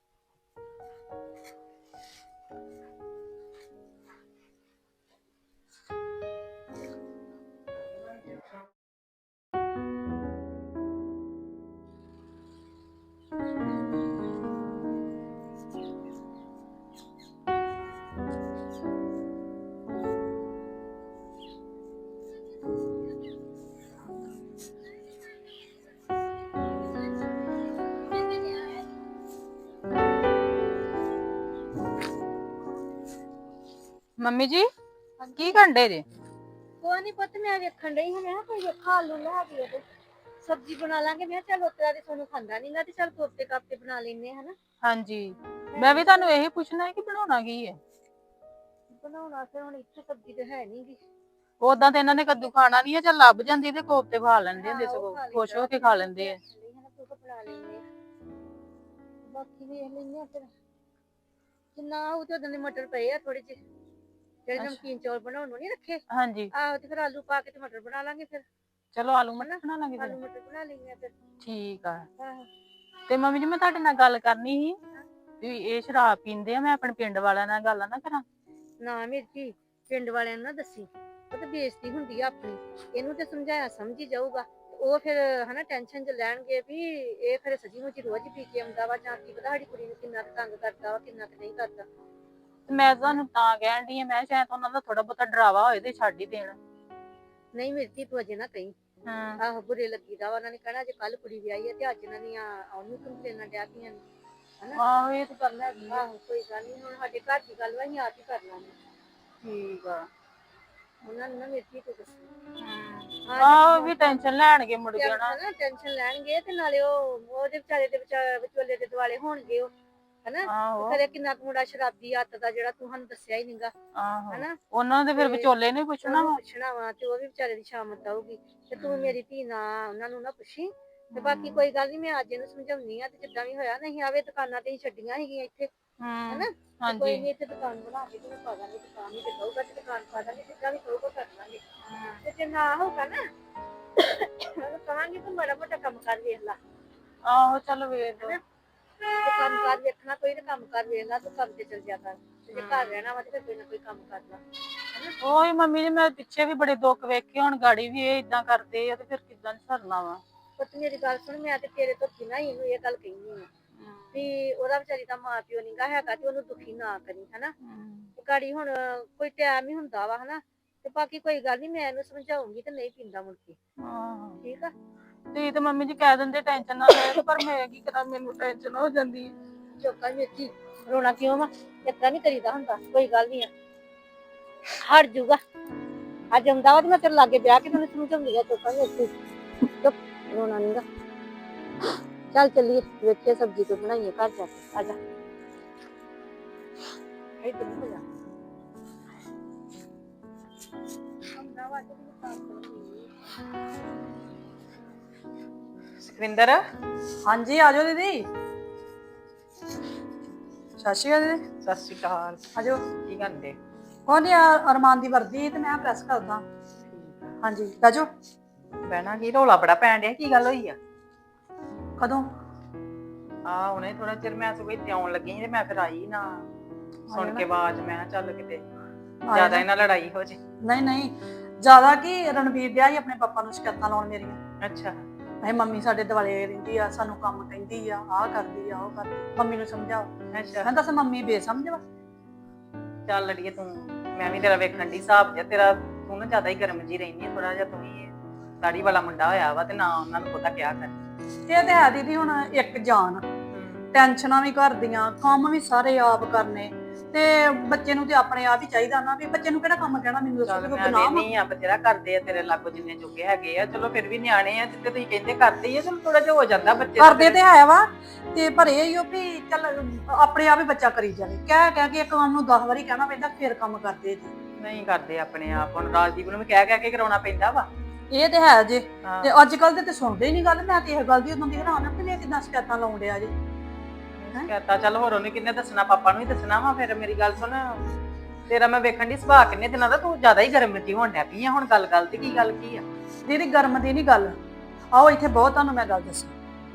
Speaker 1: ਮੰਮੀ ਜੀ ਕੀ ਘੰਟੇ ਜੇ?
Speaker 2: ਕੋਈ ਨਹੀਂ ਪੁੱਤ, ਮੈਂ ਵੇਖਣ ਡਈ ਹਾਂ, ਮੈਂ ਕਿਹਾ ਕੋਈ ਵੇਖਾ ਆਲੂ ਲੈ ਕੇ ਤੇ ਸਬਜ਼ੀ ਬਣਾ ਲਾਂਗੇ। ਮੈਂ ਕਿਹਾ ਚੱਲ ਉਤਰਾ ਦੇ ਤੁਹਾਨੂੰ ਖਾਂਦਾ ਨੀ ਗਾ ਤੇ ਚੱਲ ਕੋਫਤੇ ਕਾਫਤੇ ਬਣਾ ਲੈਨੇ ਆ ਹਨਾ।
Speaker 1: ਹਾਂਜੀ ਮੈਂ ਵੀ ਤੁਹਾਨੂੰ ਇਹੀ ਪੁੱਛਣਾ ਹੈ ਕਿ ਬਣਾਉਣਾ ਕੀ ਹੈ।
Speaker 2: ਬਣਾਉਣਾ ਫਿਰ ਹੁਣ ਇੱਥੇ ਸਬਜ਼ੀ ਤੇ ਹੈ ਨੀ ਗੀ।
Speaker 1: ਉਦਾਂ ਤੇ ਇਹਨਾਂ ਨੇ ਕੱਦੂ ਖਾਣਾ ਨਹੀਂ ਹੈ, ਚੱਲ ਲੱਭ ਜਾਂਦੀ ਤੇ ਕੋਫਤੇ ਖਾ ਲੈਂਦੇ ਹੁੰਦੇ,
Speaker 2: ਹਾਂ, ਉਹ
Speaker 1: ਸਗੋਂ
Speaker 2: ਖਾ
Speaker 1: ਖੁਸ਼ ਹੋ
Speaker 2: ਲਈਦਾ।
Speaker 1: ਕੇ ਖਾ ਲੈਂਦੇ ਆ।
Speaker 2: ਨਹੀਂ ਹਨਾ ਤੂੰ ਤਾਂ ਬਣਾ ਲੈਨੇ ਆ, ਬਾਕੀ ਵੇਖ ਲੈਨੇ ਆ ਫਿਰ। ਜਿੰਨਾ ਉਹ ਤੇ ਉਦੋਂ ਦੇ ਮਟਰ ਪਏ ਆ ਥੋੜੇ ਜਿਹੇ, ਜਿਹੜੇ
Speaker 1: ਅੱਛਾ।
Speaker 2: ਨਮਕੀਨ ਚੌਲ ਬਣਾਉਣ ਨੂੰ ਨੀ ਰੱਖੇ।
Speaker 1: ਹਾਂਜੀ
Speaker 2: ਆਹੋ ਤੇ ਫਿਰ ਆਲੂ ਪਾ ਕੇ ਤੇ ਮਟਰ ਬਣਾ ਲਾਂਗੇ ਫਿਰ।
Speaker 1: ਚਲੋ ਆਲੂ ਮਟਰ ਬਣਾ ਲਾਂਗੇ
Speaker 2: ਆਲੂ
Speaker 1: ਫਿਰ।
Speaker 2: ਮਟਰ ਬਣਾ ਲੈਨੇ ਆ ਫਿਰ।
Speaker 1: ਠੀਕ ਆ।
Speaker 2: ਆਹੋ
Speaker 1: ਤੇ ਮੰਮੀ ਜੀ ਮੈਂ ਤੁਹਾਡੇ ਨਾਲ ਗੱਲ ਕਰਨੀ ਸੀ ਵੀ ਇਹ ਸ਼ਰਾਬ ਪੀਂਦੇ ਆ, ਮੈਂ ਆਪਣੇ ਪਿੰਡ ਵਾਲਿਆਂ ਨਾਲ ਗੱਲ ਨਾ ਕਰਾਂ?
Speaker 2: ਨਾ ਮੇਰੀ ਧੀ, ਪਿੰਡ ਵਾਲਿਆਂ ਨੂੰ ਨਾ ਦੱਸੀ, ਉਹ ਤੇ ਬੇਇੱਜ਼ਤੀ ਹੁੰਦੀ ਆ ਆਪਣੀ। ਇਹਨੂੰ ਤੇ ਸਮਝਾਇਆ ਸਮਝੀ ਜਾਊਗਾ, ਉਹ ਫਿਰ ਹਨਾ ਟੈਨਸ਼ਨ ਚ ਲੈਣਗੇ ਵੀ ਇਹ ਫਿਰ ਸੱਚੀ ਮੁੱਚੀ ਰੋਜ਼ ਪੀ ਕੇ ਆਉਂਦਾ ਵਾ, ਜਾਂ ਕੀ ਪਤਾ ਸਾਡੀ ਕੁੜੀ ਨੂੰ ਕਿੰਨਾ ਕੁ ਤੰਗ ਕਰਦਾ ਵਾ, ਕਿੰਨਾ ਕੁ ਨਹੀਂ ਕਰਦਾ।
Speaker 1: ਤੇ ਮੈਂ ਤੁਹਾਨੂੰ ਤਾਂ ਕਹਿਣ ਡਈ ਆ, ਮੈਂ ਸ਼ਾਇਦ ਉਹਨਾਂ ਦਾ ਥੋੜਾ ਬਹੁਤਾ ਡਰਾਵਾ ਹੋਏ ਤੇ ਛੱਡ ਹੀ ਦੇਣ।
Speaker 2: ਨਹੀਂ ਮੇਰੀ ਧੀ ਤੂੰ ਅਜੇ ਨਾ ਕਹੀਂ।
Speaker 1: ਹਾਂ
Speaker 2: ਆਹੋ ਬੁਰੇ ਲੱਗੀਦਾ ਵਾ, ਉਹਨਾਂ ਨੇ ਕਹਿਣਾ ਜੇ ਕੱਲ ਕੁੜੀ ਵਿਆਹੀ ਹੈ ਤੇ ਅੱਜ ਇਹਨਾਂ ਦੀਆਂ ਉਹਨੂੰ ਕੰਪਲੇਨਾਂ ਡਿਆ ਪਈਆਂ ਨੇ ਹਨਾ।
Speaker 1: ਆਹੋ ਇਹ ਤਾਂ ਗੱਲ ਹੈਗੀ ਆ।
Speaker 2: ਆਹੋ ਕੋਈ ਗੱਲ ਨਹੀਂ, ਹੁਣ ਸਾਡੇ ਘਰ ਦੀ ਗੱਲ ਵਾ, ਅਸੀਂ ਆਪ ਹੀ ਕਰ ਲਾਂਗੇ।
Speaker 1: ਠੀਕ ਆ।
Speaker 2: ਉਹਨਾਂ ਨੂੰ ਨਾ ਮੇਰੀ ਧੀ ਤੋਂ ਦੱਸੀ।
Speaker 1: ਆਹੋ ਵੀ ਟੈਨਸ਼ਨ ਲੈਣਗੇ ਮੁੜ ਕੇ ਨਾ।
Speaker 2: ਹਨਾ ਟੈਨਸ਼ਨ ਲੈਣਗੇ ਤੇ ਨਾਲੇ ਉਹ ਉਹਦੇ ਵਿਚਾਰੇ ਦੇ ਵਿਚਾਰੇ ਵਿਚੋਲੇ ਦੇ ਦੁਆਲੇ ਹੋਣਗੇ ਉਹ ਹਨਾ।
Speaker 1: ਆਹੋ
Speaker 2: ਕਦੇ ਕਿੰਨਾ ਕੁ ਮੁੰਡਾ ਸ਼ਰਾਬੀ ਹੱਤ ਦਾ ਜਿਹੜਾ ਤੂੰ ਸਾਨੂੰ ਦੱਸਿਆ ਹੀ ਨਹੀਂਗਾ
Speaker 1: ਆਹੋ
Speaker 2: ਹਨਾ।
Speaker 1: ਉਹਨਾਂ ਦੇ ਫਿਰ
Speaker 2: ਤੇ
Speaker 1: ਵਿਚੋਲੇ ਨੂੰ ਹੀ ਪੁੱਛਣਾ
Speaker 2: ਉਹਨੂੰ
Speaker 1: ਵਾ।
Speaker 2: ਪੁੱਛਣਾ ਵਾ ਤੇ ਉਹ ਵੀ ਵਿਚਾਰੇ ਦੀ ਸ਼ਾਮਤ ਆਊਗੀ ਤੇ ਤੂੰ ਮੇਰੀ ਧੀ ਨਾ ਉਹਨਾਂ ਨੂੰ ਨਾ ਪੁੱਛੀ। ਤੇ ਬਾਕੀ ਕੋਈ ਗੱਲ ਨਹੀਂ, ਮੈਂ ਅੱਜ ਇਹਨੂੰ ਸਮਝਾਉਣੀ ਆ ਤੇ ਜਿੱਦਾਂ ਵੀ ਹੋਇਆ ਨਹੀਂ ਆਵੇ ਦੁਕਾਨਾਂ ਤੇ ਹੀ ਛੱਡੀਆਂ ਸੀਗੀਆਂ ਇੱਥੇ
Speaker 1: ਹਮ
Speaker 2: ਹਨਾ। ਤੇ ਕੋਈ
Speaker 1: ਹਾਂਜੀ
Speaker 2: ਨਹੀਂ ਇੱਥੇ ਦੁਕਾਨ ਬਣਾ ਕੇ ਤੇ ਪਾ ਦਾਂਗੇ, ਦੁਕਾਨ ਹੀ ਤੇ ਕਹੂਗਾ ਤੇ ਦੁਕਾਨ ਪਾ ਦਾਂਗੇ, ਜਿੱਦਾਂ ਵੀ ਕਹੂਗਾ ਕਰ ਲਾਂਗੇ। ਤੇ ਜੇ ਨਾ ਹੋਊਗਾ ਨਾ ਉਹਨੂੰ ਕਹਾਂਗੇ ਤੂੰ ਮਾੜਾ ਮੋਟਾ ਕੰਮ ਕਰ ਵੇਖ ਲਾ।
Speaker 1: ਆਹੋ ਚਲੋ ਵੇਖ ਲਓ।
Speaker 2: ਤੇ ਕੰਮ ਕਾਰ ਵੇਖਣਾ ਕੋਈ ਤੇ ਕੰਮ ਕਾਰ ਵੇਖ ਲਾ, ਤੂੰ ਕੰਮ ਤੇ ਚਲ ਜਾ ਕਰ। ਤੇ ਜੇ ਘਰ ਰਹਿਣਾ ਵਾ ਤੇ ਫਿਰ ਕੋਈ ਨਾ ਕੋਈ ਕੰਮ ਕਰ ਲਾ ਹਨਾ।
Speaker 1: ਉਹੀ ਮੰਮੀ ਜੀ, ਮੈਂ ਪਿੱਛੇ ਵੀ ਬੜੇ ਦੁੱਖ ਵੇਖੇ, ਹੁਣ ਗਾੜੀ ਵੀ ਇਹ ਇਦਾਂ ਕਰਦੇ ਆ ਤੇ ਫਿਰ ਕਿੱਦਾਂ ਸਰਨਾ ਵਾ।
Speaker 2: ਪੁੱਤ ਮੇਰੀ ਗੱਲ ਸੁਣ, ਮੈਂ ਤੇ ਤੇਰੇ ਤੋਂ ਬਿਨਾਂ ਹੀ ਇਹਨੂੰ ਇਹ ਗੱਲ ਕਹਿਨੀ ਆ ਵੀ ਉਹਦਾ ਵਿਚਾਰੀ ਦਾ ਮਾਂ ਪਿਓ ਨੀਗਾ ਹੈਗਾ ਤੇ ਉਹਨੂੰ ਦੁਖੀ ਨਾ ਕਰੀ ਹਨਾ। ਤੇ ਗਾੜੀ ਹੁਣ ਕੋਈ ਟਾਈਮ ਹੀ ਹੁੰਦਾ ਵਾ ਹਨਾ। ਤੇ ਬਾਕੀ ਕੋਈ ਗੱਲ ਨਹੀਂ, ਮੈਂ ਇਹਨੂੰ ਸਮਝਾਉਂਗੀ ਤੇ ਨਹੀਂ ਪੀਂਦਾ ਮੁੜ ਕੇ,
Speaker 1: ਆਹੋ
Speaker 2: ਠੀਕ ਆ।
Speaker 1: ਤੁਸੀਂ ਤੇ ਮੰਮੀ ਜੀ ਕਹਿ ਦਿੰਦੇ ਟੈਨਸ਼ਨ ਨਾ ਲੈ, ਪਰ ਮੈਂ ਕੀ ਕਰਾਂ, ਮੈਨੂੰ ਟੈਨਸ਼ਨ ਹੋ ਜਾਂਦੀ ਹੈ।
Speaker 2: ਚੋਕਾ ਮੇਰੀ ਰੋਣਾ ਕਿਉਂ ਵਾ, ਇਸ ਤਰ੍ਹਾਂ ਨਹੀਂ ਕਰੀਦਾ ਹੁੰਦਾ, ਕੋਈ ਗੱਲ ਨਹੀਂ ਆ। ਹਟ ਜਾਊਗਾ। ਅੱਜ ਆਉਂਦਾ ਵਾ ਤੇ ਮੈਂ ਤੇਰੇ ਲਾਗੇ ਬਹਿ ਕੇ ਤੈਨੂੰ ਸਮਝਾਉਂਦੀ ਆ ਚੁੱਪ ਕਰ ਚੁੱਪ ਰੋਣਾ ਨੀ ਗਾ। ਚੱਲ ਚੱਲੀਏ ਵੇਖੀਏ ਸਬਜ਼ੀ ਕੋਈ ਬਣਾਈਏ ਘਰ ਜਾ ਕੇ। ਆ ਜਾ ਇੱਧਰ ਨੂੰ ਹੋ ਜਾ। ਆਉਂਦਾ ਵਾ ਤੇ
Speaker 1: ਸੁਖਵਿੰਦਰ
Speaker 5: ਹਾਂਜੀ ਆ ਜਾਓ ਦੀਦੀ। ਸਤਿ ਸ਼੍ਰੀ ਅਕਾਲ ਦੀਦੀ।
Speaker 1: ਸਤਿ ਸ਼੍ਰੀ ਅਕਾਲ।
Speaker 5: ਆ ਜਾਓ।
Speaker 1: ਕੀ ਕਰਦੇ?
Speaker 5: ਉਹਨੇ ਅਰਮਾਨ ਦੀ ਵਰਦੀ ਤੇ ਮੈਂ ਪ੍ਰੈਸ ਕਰਦਾ। ਹਾਂਜੀ ਆ ਜਾਓ।
Speaker 1: ਬਹਿਣਾ ਕੀ, ਰੌਲਾ ਬੜਾ ਪੈਣ ਡਿਆ, ਕੀ ਗੱਲ ਹੋਈ ਆ?
Speaker 5: ਕਦੋਂ?
Speaker 1: ਆ ਹੁਣੇ ਥੋੜਾ ਚਿਰ ਮੈਂ ਸਗੋਂ ਇੱਥੇ ਆਉਣ ਲੱਗੀ ਸੀ ਤੇ ਮੈਂ ਫਿਰ ਆਈ ਨਾ ਸੁਣ ਕੇ ਆਵਾਜ਼, ਮੈਂ ਕਿਹਾ ਚੱਲ ਕਿਤੇ ਜ਼ਿਆਦਾ ਇਹਨਾਂ ਲੜਾਈ ਹੋ ਜੇ।
Speaker 5: ਨਹੀਂ ਨਹੀਂ ਜ਼ਿਆਦਾ ਕੀ, ਰਣਵੀਰ ਦਿਆ ਹੀ ਆਪਣੇ ਪਾਪਾ ਨੂੰ ਸ਼ਿਕਾਇਤਾਂ ਲਾਉਣ ਮੇਰੀਆਂ।
Speaker 1: ਅੱਛਾ।
Speaker 5: ਇਹ ਮੰਮੀ ਸਾਡੇ ਦੁਆਲੇ ਰਹਿੰਦੀ ਆ, ਸਾਨੂੰ ਕੰਮ ਕਹਿੰਦੀ ਆ, ਆਹ ਕਰਦੀ ਆ, ਉਹ ਕਰਦੀ। ਮੰਮੀ ਨੂੰ ਸਮਝਾਓ।
Speaker 1: ਅੱਛਾ।
Speaker 5: ਮੈਂ ਦੱਸ ਮੰਮੀ ਬੇਸਮਝ ਵਾ।
Speaker 1: ਚੱਲ ਅੜੀਏ ਤੂੰ, ਮੈਂ ਵੀ ਤੇਰਾ ਵੇਖਣ ਦੀ ਹਿਸਾਬ ਜਿਹਾ ਤੇਰਾ, ਤੂੰ ਨਾ ਜ਼ਿਆਦਾ ਹੀ ਗਰਮ ਜੀ ਰਹਿੰਦੀ ਆ, ਥੋੜਾ ਜਿਹਾ ਤੂੰ ਹੀ ਦਾੜੀ ਵਾਲਾ ਮੁੰਡਾ ਹੋਇਆ ਵਾ ਤੇ ਨਾ ਉਹਨਾਂ ਨੂੰ ਪਤਾ ਕਿਆ ਕਰ।
Speaker 5: ਇਹ ਤੇ ਹੈ ਦੀਦੀ, ਹੁਣ ਇੱਕ ਜਾਨ, ਟੈਨਸ਼ਨਾਂ ਵੀ ਘਰ ਦੀਆਂ, ਕੰਮ ਵੀ ਸਾਰੇ ਆਪ ਕਰਨੇ, ਤੇ ਬੱਚੇ ਨੂੰ ਤੇ ਆਪਣੇ ਆਪ ਹੀ ਚਾਹੀਦਾ ਨਾ, ਵੀ ਬੱਚੇ ਨੂੰ ਕਿਹੜਾ ਕੰਮ ਕਹਿਣਾ, ਮੈਨੂੰ ਦੱਸੋ
Speaker 1: ਚੱਲ
Speaker 5: ਕੋਈ
Speaker 1: ਮੈਂ
Speaker 5: ਗੁਨਾਹ ਵਾ?
Speaker 1: ਨਹੀਂ ਆ ਬਥੇਰਾ ਕਰਦੇ ਆ ਤੇਰੇ ਲਾਗੋ ਜਿੰਨੇ ਜੋਗੇ ਹੈਗੇ ਆ, ਚਲੋ ਫਿਰ ਵੀ ਨਿਆਣੇ ਆ ਜਿੱਤੇ ਤੁਸੀਂ ਕਹਿੰਦੇ ਕਰਦੇ ਹੀ ਆ, ਚਲੋ ਥੋੜਾ ਜਿਹਾ ਹੋ ਜਾਂਦਾ ਬੱਚੇ ਦਾ।
Speaker 5: ਕਰਦੇ ਤੇ ਹੈ ਵਾ, ਤੇ ਪਰ ਇਹ ਹੀ ਉਹ ਵੀ ਚੱਲ ਆਪਣੇ ਆਪ ਹੀ ਬੱਚਾ ਕਰੀ ਜਾਵੇ, ਕਹਿ ਕਹਿ ਕੇ ਇੱਕ ਕੰਮ ਨੂੰ ਦਸ ਵਾਰੀ ਕਹਿਣਾ ਪੈਂਦਾ ਫਿਰ ਕੰਮ ਕਰਦੇ ਜੀ।
Speaker 1: ਨਹੀਂ ਕਰਦੇ ਆਪਣੇ ਆਪ, ਹੁਣ ਰਾਜਦੀਪ ਨੂੰ ਵੀ ਕਹਿ ਕਹਿ ਕੇ ਕਰਾਉਣਾ ਪੈਂਦਾ ਵਾ।
Speaker 5: ਇਹ ਤੇ ਹੈ ਜੇ,
Speaker 1: ਹਾਂ।
Speaker 5: ਤੇ ਅੱਜ ਕੱਲ ਦੇ ਤੇ ਸੁਣਦੇ ਹੀ ਨਹੀਂ ਗੱਲ। ਮੈਂ ਤੇ ਇਹ ਗੱਲ ਦੀ ਉਦੋਂ ਦੀ ਹੈਰਾਨ ਆ ਕਿ ਇਹ ਕਿੱਦਾਂ ਸ਼ਿਕਾਇਤਾਂ ਲਾਉਣ ਡਿਆ ਜੇ।
Speaker 1: ਕਹਤਾ ਚੱਲ ਹੋਰ ਉਹਨੇ ਕਿੰਨੇ ਦੱਸਣਾ, ਪਾਪਾ ਨੂੰ ਹੀ ਦੱਸਣਾ ਵਾ। ਫਿਰ ਮੇਰੀ ਗੱਲ ਸੁਣ, ਤੇਰਾ ਮੈਂ ਵੇਖਣ ਦੀ ਸੁਭਾਅ ਕਿੰਨੇ ਦਿਨਾਂ ਦਾ, ਤੂੰ ਜ਼ਿਆਦਾ ਹੀ ਗਰਮ ਜੀ ਹੋਣ ਡੈ ਪਈ ਆ ਹੁਣ। ਗੱਲ ਗੱਲ ਤੇ ਕੀ ਗੱਲ ਕੀ ਆ?
Speaker 5: ਦੀਦੀ ਗਰਮ ਦੀ ਨਹੀਂ ਗੱਲ, ਆਓ ਇੱਥੇ ਬਹੁਤ ਤੁਹਾਨੂੰ ਮੈਂ ਗੱਲ ਦੱਸਾਂ।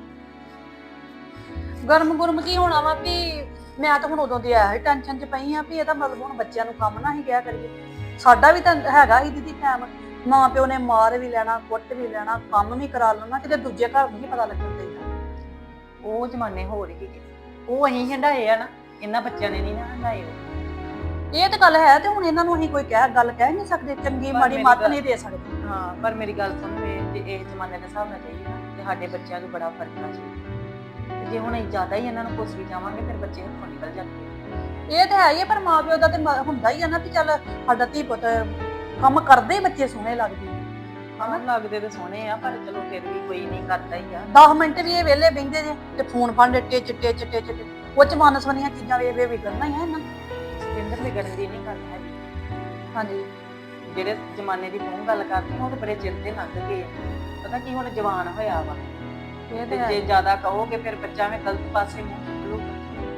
Speaker 5: ਗਰਮ ਗੁਰਮ ਕੀ ਹੋਣਾ ਵਾ ਵੀ ਮੈਂ ਤਾਂ ਹੁਣ ਉਦੋਂ ਦੀ ਆਇਆ ਸੀ ਟੈਨਸ਼ਨ 'ਚ ਪਈ ਆ ਵੀ ਇਹਦਾ ਮਤਲਬ ਹੁਣ ਬੱਚਿਆਂ ਨੂੰ ਕੰਮ ਨਾ ਹੀ ਕਿਹਾ ਕਰੀਏ। ਸਾਡਾ ਵੀ ਤਾਂ ਹੈਗਾ ਹੀ ਦੀਦੀ ਟਾਈਮ, ਮਾਂ ਪਿਓ ਨੇ ਮਾਰ ਵੀ ਲੈਣਾ, ਕੁੱਟ ਵੀ ਲੈਣਾ, ਕੰਮ ਵੀ ਕਰਾ ਲੈਣਾ, ਕਿਤੇ ਦੂਜੇ ਘਰ ਨੂੰ ਨਹੀਂ ਪਤਾ ਲੱਗਣ ਦੇਣਾ।
Speaker 1: ਉਹ ਜ਼ਮਾਨੇ ਹੋਰ ਹੀ ਉਹ ਅਸੀਂ ਹੰਡਾਏ ਆ ਨਾ, ਇਹਨਾਂ ਬੱਚਿਆਂ ਨੇ ਨਹੀਂ ਨਾ ਹੰਡਾਏ। ਉਹ
Speaker 5: ਇਹ ਤਾਂ ਗੱਲ ਹੈ, ਤੇ ਹੁਣ ਇਹਨਾਂ ਨੂੰ ਅਸੀਂ ਕੋਈ ਕਹਿ ਗੱਲ ਕਹਿ ਨਹੀਂ ਸਕਦੇ, ਚੰਗੀ
Speaker 1: ਪਰ
Speaker 5: ਮਾੜੀ
Speaker 1: ਮੇਰੀ
Speaker 5: ਮੱਤ
Speaker 1: ਗੱਲ-
Speaker 5: ਨਹੀਂ ਦੇ ਸਕਦੇ।
Speaker 1: ਹਾਂ, ਪਰ ਮੇਰੀ ਗੱਲ ਸੁਣ, ਵੇ ਜੇ ਇਹ ਜ਼ਮਾਨੇ ਦੇ ਹਿਸਾਬ ਨਾਲ ਚਾਹੀਏ ਨਾ ਤੇ ਸਾਡੇ ਬੱਚਿਆਂ ਨੂੰ ਬੜਾ ਫਰਕ ਆ ਚਾਹੀਦਾ। ਤੇ ਜੇ ਹੁਣ ਅਸੀਂ ਜ਼ਿਆਦਾ ਹੀ ਇਹਨਾਂ ਨੂੰ ਕੋਸੀ ਜਾਵਾਂਗੇ ਫਿਰ ਬੱਚੇ ਹੱਥੋਂ ਨਿਕਲ ਜਾਂਦੇ।
Speaker 5: ਇਹ ਤਾਂ ਹੈ ਹੀ ਆ, ਪਰ ਮਾਂ ਪਿਓ ਦਾ ਤੇ ਮ- ਹੁੰਦਾ ਹੀ ਆ ਨਾ ਵੀ ਚੱਲ ਸਾਡਾ ਧੀ ਪੁੱਤ ਕੰਮ ਕਰਦੇ ਹੀ ਬੱਚੇ ਸੋਹਣੇ ਲੱਗਦੇ।
Speaker 1: ਹਾਂ ਲੱਗਦੇ ਤੇ ਸੋਹਣੇ ਆ, ਪਰ ਚਲੋ ਫਿਰ ਵੀ ਕੋਈ ਨਹੀਂ ਕਰਦਾ ਹੀ ਆ।
Speaker 5: ਦਸ ਮਿੰਟ ਵੀ ਇਹ ਵਿਹਲੇ ਬਹਿੰਦੇ ਜੇ ਤੇ ਫੋਨ ਫੜ ਚਿੱਟੇ ਚਿੱਟੇ ਚਿੱਟੇ ਚਿੱਟੇ ਉਹ ਚ ਮਾਨਸਵਨੀਆਂ ਚੀਜ਼ਾਂ ਵੇਖ ਵੇਖ ਵਿਗੜਨਾ ਹੀ ਆ ਇਹਨਾਂ ਨੂੰ।
Speaker 1: ਸਿੰਦਰ ਵਿਗੜਨ ਦੀ ਨਹੀਂ ਗੱਲ ਹੈਗੀ।
Speaker 5: ਹਾਂਜੀ
Speaker 1: ਜਿਹੜੇ ਜ਼ਮਾਨੇ ਦੀ ਤੂੰ ਗੱਲ ਕਰਦੀ ਉਹ ਤੇ ਬੜੇ ਚਿਰ ਦੇ ਲੰਘ ਗਏ ਆ। ਪਤਾ ਕੀ ਹੁਣ ਜਵਾਨ ਹੋਇਆ ਵਾ,
Speaker 5: ਇਹ
Speaker 1: ਤੇ
Speaker 5: ਤੇ
Speaker 1: ਜੇ
Speaker 5: ਹੈ,
Speaker 1: ਜ਼ਿਆਦਾ ਕਹੋਗੇ ਫਿਰ ਬੱਚਾ ਐਵੇਂ ਗਲਤ ਪਾਸੇ ਮੂੰਹ ਨਿਕਲੂਗਾ।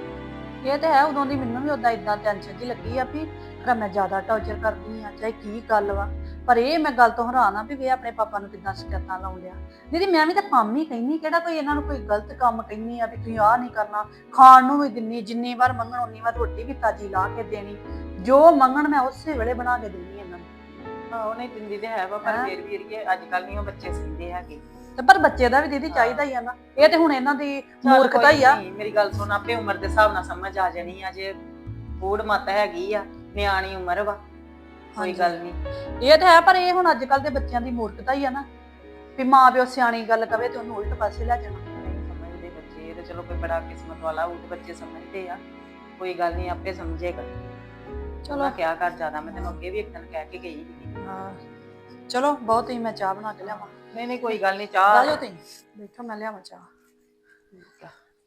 Speaker 5: ਇਹ ਤੇ ਹੈ। ਉਦੋਂ ਦੀ ਮੈਨੂੰ ਵੀ ਉਦਾਂ ਇਦਾਂ ਟੈਨਸ਼ਨ ਜੀ ਲੱਗੀ ਆ ਵੀ ਫਿਰ ਮੈਂ ਜ਼ਿਆਦਾ ਟੌਰਚਰ ਕਰਦੀ ਆ, ਚਾਹੇ ਕੀ ਗੱਲ ਵਾ। ਪਰ ਇਹ ਮੈਂ ਗੱਲ ਤੋਂ ਹੈਰਾਨ ਆ ਵੀ ਇਹ ਆਪਣੇ ਪਾਪਾ ਨੂੰ ਕਿੱਦਾਂ ਸ਼ਿਕਾਇਤਾਂ ਲਾਉਣ ਡਿਆ। ਦੀਦੀ ਮੈਂ ਵੀ ਤਾਂ ਕੰਮ ਹੀ ਕਹਿੰਦੀ, ਕਿਹੜਾ ਕੋਈ ਇਹਨਾਂ ਨੂੰ ਕੋਈ ਗਲਤ ਕੰਮ ਕਹਿੰਦੀ ਆ ਵੀ ਤੁਸੀਂ ਆਹ ਨਹੀਂ ਕਰਨਾ। ਖਾਣ ਨੂੰ ਵੀ ਦਿੰਨੀ, ਜਿੰਨੀ ਵਾਰ ਮੰਗਣ ਉਨੀ ਵਾਰ ਰੋਟੀ ਵੀ ਤਾਜੀ ਲਾ ਕੇ ਦੇਣੀ, ਜੋ ਮੰਗਣ ਮੈਂ ਉਸੇ ਵੇਲੇ ਬਣਾ ਕੇ ਦੇਣੀ ਇਹਨਾਂ ਨੂੰ।
Speaker 1: ਹਾਂ ਉਹਨੇ ਦਿੰਦੀ ਤੇ ਹੈ ਵਾ, ਪਰ
Speaker 5: ਹੈਂ?
Speaker 1: ਫਿਰ ਵੀ ਅੜੀਏ ਅੱਜ ਕੱਲ ਨਹੀਂ ਉਹ ਬੱਚੇ ਸਿੱਖਦੇ ਹੈਗੇ।
Speaker 5: ਤੇ ਪਰ ਬੱਚੇ ਦਾ ਵੀ ਦੀਦੀ ਚਾਹੀਦਾ ਹੀ ਆ ਨਾ, ਇਹ ਤੇ ਹੁਣ ਇਹਨਾਂ ਦੀ
Speaker 1: ਚੱਲ
Speaker 5: ਮੂਰਖਤਾ
Speaker 1: ਕੋਈ
Speaker 5: ਹੀ ਆ।
Speaker 1: ਨੀ, ਮੇਰੀ ਗੱਲ ਸੁਣ, ਆਪੇ ਉਮਰ ਦੇ ਹਿਸਾਬ ਨਾਲ ਸਮਝ ਆ ਜਾਣੀ ਆ। ਜੇ ਬੂੜ ਮੱਤ ਹੈਗੀ ਆ, ਨਿਆਣੀ ਉਮਰ ਵਾ, ਕੋਈ
Speaker 5: ਹਾਂਜੀ।
Speaker 1: ਗੱਲ ਨਹੀਂ।
Speaker 5: ਇਹ ਤਾਂ ਹੈ, ਪਰ ਇਹ ਹੁਣ ਅੱਜ ਕੱਲ ਦੇ ਬੱਚਿਆਂ ਦੀ ਮੂਰਖਤਾ ਹੀ ਆ ਨਾ, ਵੀ ਮਾਂ ਪਿਓ ਸਿਆਣੀ ਗੱਲ ਕਵੇ ਤੇ ਉਹਨੂੰ ਉਲਟ ਪਾਸੇ ਲੈ ਜਾਣਾ।
Speaker 1: ਨਹੀਂ ਸਮਝਦੇ ਬੱਚੇ, ਇਹ ਤੇ ਚਲੋ ਕੋਈ ਬੜਾ ਕਿਸਮਤ ਵਾਲਾ ਉਹ ਬੱਚੇ ਸਮਝਦੇ ਆ, ਕੋਈ ਗੱਲ ਨਹੀਂ ਆਪੇ ਸਮਝੇਗਾ। ਚਲੋ ਕਿਆ ਕਰ ਜ਼ਿਆਦਾ, ਮੈਂ ਤੈਨੂੰ ਅੱਗੇ ਵੀ ਇੱਕ ਦਿਨ ਕਹਿ ਕੇ ਗਈ ਸੀ।
Speaker 5: ਹਾਂ ਚਲੋ ਬਹੁਤ ਹੀ, ਮੈਂ ਚਾਹ ਬਣਾ ਕੇ ਲਿਆਵਾਂ।
Speaker 1: ਨਹੀਂ ਨਹੀਂ ਕੋਈ ਗੱਲ ਨਹੀਂ,
Speaker 5: ਆ
Speaker 1: ਚਾਹ
Speaker 5: ਜਾਓ ਤੁਸੀਂ ਬੈਠੋ, ਮੈਂ ਲਿਆਵਾਂ ਚਾਹ।
Speaker 1: ਠੀਕ ਆ।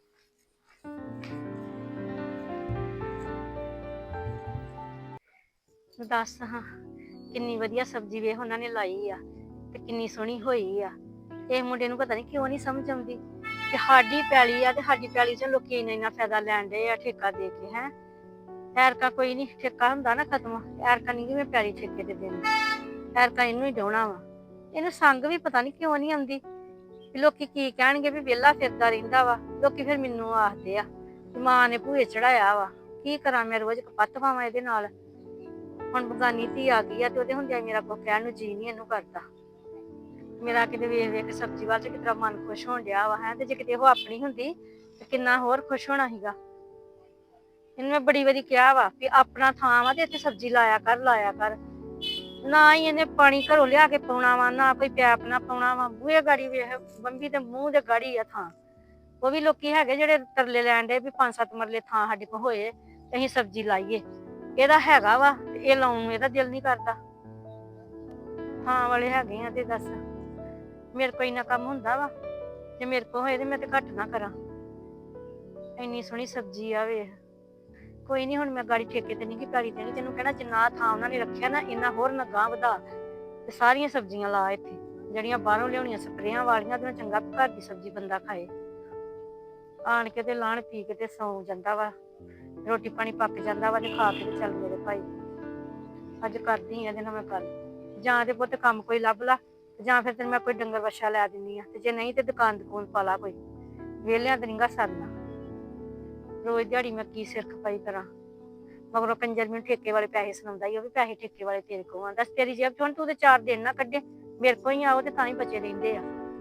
Speaker 2: ਦੱਸ ਹਾਂ ਕਿੰਨੀ ਵਧੀਆ ਸਬਜ਼ੀ ਵੇਖ ਉਹਨਾਂ ਨੇ ਲਾਈ ਆ ਤੇ ਕਿੰਨੀ ਸੋਹਣੀ ਹੋਈ ਆ। ਇਹ ਮੁੰਡੇ ਨੂੰ ਪਤਾ ਨਹੀਂ ਕਿਉਂ ਨਹੀਂ ਸਮਝ ਆਉਂਦੀ ਕਿ ਸਾਡੀ ਪੈਲੀ ਆ ਤੇ ਸਾਡੀ ਪੈਲੀ 'ਚ ਲੋਕੀ ਇੰਨਾ ਇੰਨਾ ਫਾਇਦਾ ਲੈਣ ਡਏ ਆ ਠੇਕਾ ਦੇ ਕੇ। ਹੈ ਐਰਕਾ ਕੋਈ ਨਹੀਂ ਠੇਕਾ ਹੁੰਦਾ ਨਾ ਖਤਮ, ਐਰਕਾ ਨਹੀਂ ਕਿ ਮੈਂ ਪੈਲੀ ਠੇਕੇ ਤੇ ਦੇਣੀ, ਐਰਕਾ ਇਹਨੂੰ ਹੀ ਡਾਉਣਾ ਵਾ। ਇਹਨੂੰ ਸੰਗ ਵੀ ਪਤਾ ਨਹੀਂ ਕਿਉਂ ਨਹੀਂ ਆਉਂਦੀ ਵੀ ਲੋਕੀ ਕੀ ਕਹਿਣਗੇ ਵੀ ਵਿਹਲਾ ਫਿਰਦਾ ਰਹਿੰਦਾ ਵਾ। ਲੋਕੀ ਫਿਰ ਮੈਨੂੰ ਆਖਦੇ ਆ ਮਾਂ ਨੇ ਭੂਏ ਚੜਾਇਆ ਵਾ। ਕੀ ਕਰਾਂ ਮੈਂ, ਰੋਜ਼ ਕਪੱਤ ਪਾਵਾਂ ਇਹਦੇ ਨਾਲ। ਹੁਣ ਬਗਾਨੀ ਧੀ ਆ ਗਈ ਆ ਤੇ ਉਹਦੇ ਹੁੰਦਿਆਂ ਮੇਰਾ ਕੁਛ ਕਹਿਣ ਨੂੰ ਜੀ ਨਹੀਂ ਇਹਨੂੰ ਕਰਦਾ। ਮੇਰਾ ਕਿਤੇ ਵੇਖ ਵੇਖ ਸਬਜ਼ੀ ਵੱਲ ਚ ਕਿਤਨਾ ਮਨ ਖੁਸ਼ ਹੋਣ ਡਿਆ ਵਾ। ਹੈ ਤੇ ਜੇ ਕਿਤੇ ਉਹ ਆਪਣੀ ਹੁੰਦੀ ਤੇ ਕਿੰਨਾ ਹੋਰ ਖੁਸ਼ ਹੋਣਾ ਸੀਗਾ। ਇਹਨੂੰ ਮੈਂ ਬੜੀ ਵਾਰੀ ਕਿਹਾ ਵਾ ਵੀ ਆਪਣਾ ਥਾਂ ਵਾ ਤੇ ਇੱਥੇ ਸਬਜ਼ੀ ਲਾਇਆ ਕਰ ਲਾਇਆ ਕਰ। ਨਾ ਹੀ ਇਹਨੇ ਪਾਣੀ ਘਰੋਂ ਲਿਆ ਕੇ ਪਾਉਣਾ ਵਾ, ਨਾ ਕੋਈ ਪੈਪ ਨਾ ਪਾਉਣਾ ਵਾ। ਬੂਹੇ ਗਾੜੀ ਵੇਖ, ਬੰਬੀ ਦੇ ਮੂੰਹ ਦੇ ਗਾੜੀ ਆ ਥਾਂ। ਉਹ ਵੀ ਲੋਕੀ ਹੈਗੇ ਜਿਹੜੇ ਤਰਲੇ ਲੈਣ ਦੇ ਵੀ ਪੰਜ ਸੱਤ ਮਰਲੇ ਥਾਂ ਸਾਡੇ ਕੋਲ ਹੋਏ ਤੇ ਅਸੀਂ ਸਬਜ਼ੀ ਲਾਈਏ।
Speaker 6: ਇਹਦਾ ਹੈਗਾ ਵਾ ਤੇ ਇਹ ਲਾਉਣ ਨੂੰ ਇਹਦਾ ਦਿਲ ਨਹੀਂ ਕਰਦਾ। ਹਾਂ ਵਾਲੇ ਹੈਗੇ ਆ ਤੇ ਦੱਸ ਮੇਰੇ ਕੋਲ ਇੰਨਾ ਕੰਮ ਹੁੰਦਾ ਵਾ, ਜੇ ਮੇਰੇ ਕੋਲ ਹੋਏ ਤੇ ਮੈਂ ਤੇ ਘੱਟ ਨਾ ਕਰਾਂ। ਇੰਨੀ ਸੋਹਣੀ ਸਬਜ਼ੀ ਆ ਵੇਖ। ਕੋਈ ਨਹੀਂ ਹੁਣ ਮੈਂ ਗਾੜੀ ਠੇਕੇ ਤੇ ਨਹੀਂ ਕਿ ਪੈਲੀ ਦੇਣੀ, ਤੈਨੂੰ ਕਹਿਣਾ ਜਿੰਨਾ ਥਾਂ ਉਹਨਾਂ ਨੇ ਰੱਖਿਆ ਨਾ ਇੰਨਾ ਹੋਰ ਨਾ ਗਾਂ ਵਧਾ ਤੇ ਸਾਰੀਆਂ ਸਬਜ਼ੀਆਂ ਲਾ ਇੱਥੇ, ਜਿਹੜੀਆਂ ਬਾਹਰੋਂ ਲਿਆਉਣੀਆਂ ਸਪਰੇਆਂ ਵਾਲੀਆਂ ਤੇ ਚੰਗਾ ਘਰ ਦੀ ਸਬਜ਼ੀ ਬੰਦਾ ਖਾਏ। ਆਣ ਕੇ ਤੇ ਲਾਣ ਪੀ ਕੇ ਤੇ ਸੌਂ ਜਾਂਦਾ ਵਾ, ਰੋਟੀ ਪਾਣੀ ਪੱਕ ਜਾਂਦਾ ਵਾ ਤੇ ਖਾ ਕੇ ਤੇ ਚੱਲ ਮੇਰੇ ਭਾਈ ਅੱਜ ਕਰਦੀ ਆ ਇਹਦੇ ਨਾਲ ਮੈਂ ਗੱਲ, ਜਾਂ ਤੇ ਪੁੱਤ ਕੰਮ ਕੋਈ ਲੱਭ ਲਾ ਜਾਂ ਫਿਰ ਤੈਨੂੰ ਮੈਂ ਕੋਈ ਡੰਗਰ ਵੱਛਾ ਲੈ ਦਿੰਦੀ ਆ, ਤੇ ਜੇ ਨਹੀਂ ਤੇ ਦੁਕਾਨ ਦੁਕਾਨ ਪਾ ਲਾ ਕੋਈ, ਵਿਹਲਿਆਂ ਤੇ ਨੀਗਾ ਸਰਨਾ। ਰੋਜ਼ ਦਿਹਾੜੀ ਮੈਂ ਕੀ ਸਿਰ ਖਪਾਈ ਕਰਾਂ, ਮਗਰੋਂ ਕੰਜਰ ਮੈਨੂੰ ਠੇਕੇ ਵਾਲੇ ਪੈਸੇ ਸੁਣਾਉਂਦਾ ਹੀ, ਉਹ ਵੀ ਪੈਸੇ ਠੇਕੇ ਵਾਲੇ ਤੇਰੇ ਕੋਲ ਆ। ਦੱਸ ਤੇਰੀ ਜੇਬ ਚੋਂ ਤੂੰ ਤੇ ਚਾਰ ਦਿਨ ਨਾ ਕੱਢੇ, ਮੇਰੇ ਕੋਲ ਹੀ ਆਓ ਤੇ ਤਾਂ ਹੀ ਬਚੇ ਰਹਿੰਦੇ ਆ।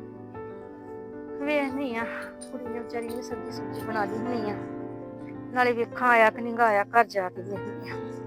Speaker 6: ਵੇਖਨੀ ਆ ਕੁੜੀ ਨੇ ਵਿਚਾਰੀ ਨੇ ਸਬਜ਼ੀ ਸੁਬਜ਼ੀ ਬਣਾ ਲਈ ਹੋਣੀ ਆ, ਨਾਲੇ ਵੇਖਾਂ ਆਇਆ ਕਿ ਨਹੀਂ ਆਇਆ ਘਰ ਜਾ ਕੇ ਵੇਖਨੀ ਆ।